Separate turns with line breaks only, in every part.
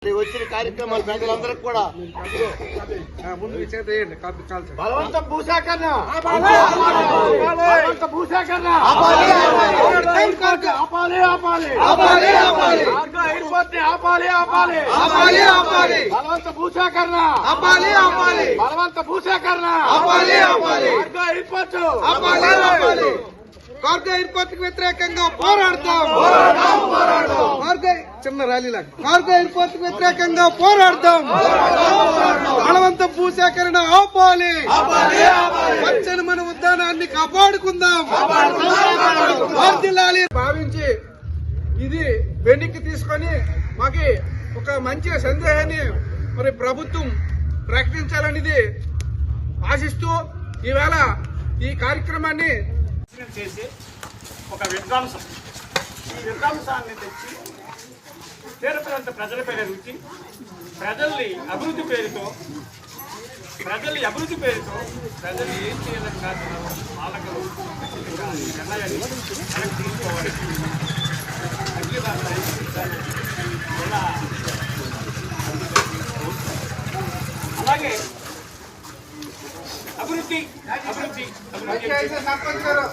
వచ్చిన కార్యక్రమాలు ప్రజలందరికీ కూడా బలవంత భూసేకరణ భూసేకరణ ఆపాలి బలవంత భూసేకరణ బలవంత భూసేకరణ
కార్గో ఎయిర్పోర్ట్ కు వ్యతిరేకంగా పోరాడతాం. చిన్న ర్యాలీలా కార్గో ఎయిర్పోర్ట్ కు వ్యతిరేకంగా పోరాడతాం. బలవంత భూసేకరణ ఆపాలి. పచ్చని మన ఉద్యానాన్ని కాపాడుకుందాం. భావించి ఇది వెనక్కి తీసుకొని మాకి ఒక మంచి సందేహాన్ని మరి ప్రభుత్వం ప్రకటించాలనేది ఆశిస్తూ ఈవేళ ఈ కార్యక్రమాన్ని
చేసి ఒక విధ్వంసం ఈ విధ్వంసాన్ని తెచ్చి తీర ప్రాంత ప్రజల పేరు రుచి ప్రజల్ని అభివృద్ధి పేరుతో ప్రజలు ఏం చేయాలని కాదు పాలకులు నిర్ణయాన్ని వెనక్కి తీసుకోవాలి. అలాగే అభివృద్ధి
పంచాయతీ సర్పంచ్ గారు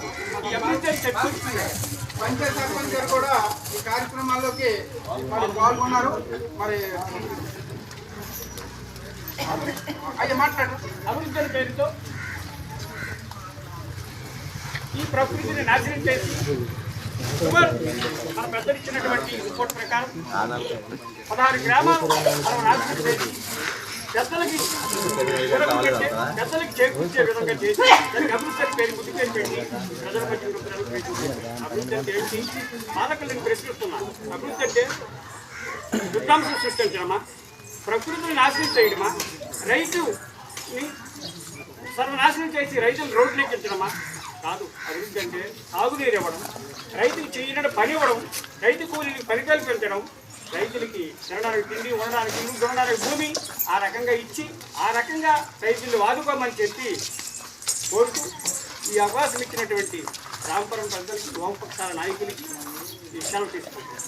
కూడా ఈ కార్యక్రమాల్లోకి మరి పాల్గొన్నారు. మరి అయ్యా మాట్లాడు.
అభివృద్ధి పేరుతో ఈ ప్రకృతిని నాశనం చేసి మన పెద్దలు ఇచ్చినటువంటి రిపోర్ట్ ప్రకారం 16 గ్రామాలు మనం నాశనం చేసి పెద్దలకి చేకూర్చే విధంగా చేసి దానికి అభివృద్ధి పేరు ముద్దు పేరు పెట్టి ప్రజల మధ్య అభివృద్ధి అంటే ఏంటి పాలకులను ప్రశ్నిస్తున్నాను. అభివృద్ధి అంటే విధ్వంసం సృష్టించడమా, ప్రకృతిని నాశనం చేయడమా, రైతుని సర్వనాశనం చేసి రైతులు రోడ్లు ఎక్కించడమా? కాదు. అభివృద్ధి అంటే సాగునీరు ఇవ్వడం, రైతుకు చేయడం పని ఇవ్వడం, రైతు కూలీకి పని కల్పించడం, రైతులకి తినడానికి తిండి, ఉండడానికి ఇల్లు, చూడడానికి భూమి ఆ రకంగా ఇచ్చి ఆ రకంగా రైతులు వాదుకోమని చెప్పి కోరుతూ ఈ అవకాశం ఇచ్చినటువంటి రామపురం ప్రజలకి, వామపక్షాల నాయకులకి ఈ సెలవు తీసుకుంటారు.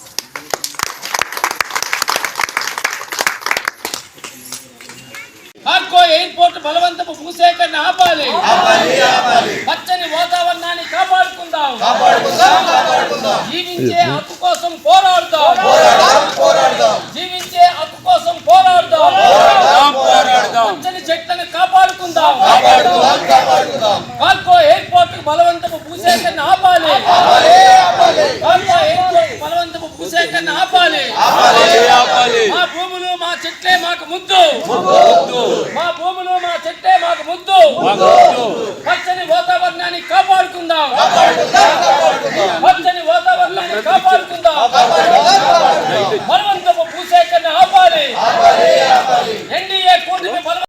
కార్గో ఎయిర్పోర్ట్ బలవంతపు భూసేకరణ ఆపాలి. పచ్చని వాతావరణాన్ని కాపాడుకుందాం. జీవించే హక్కు కోసం పోరాడుదాం. జీవించే హక్కు కోసం పోరాడుదాం. పచ్చని చెట్లను కాపాడుకుందాం. కార్గో ఎయిర్పోర్ట్ బలవంతపు భూసేకరణ ఆపాలి. కార్గో ఎయిర్పోర్ట్ బలవంతపు భూసేకరణ ఆపాలి. మా భూములు మా చెట్లే మాకు ముద్దు. మా భూములు మా చెట్టే మాకు ముద్దు. పచ్చని వాతావరణాన్ని కాపాడుకుందాం. పచ్చని వాతావరణాన్ని కాపాడుకుందాం.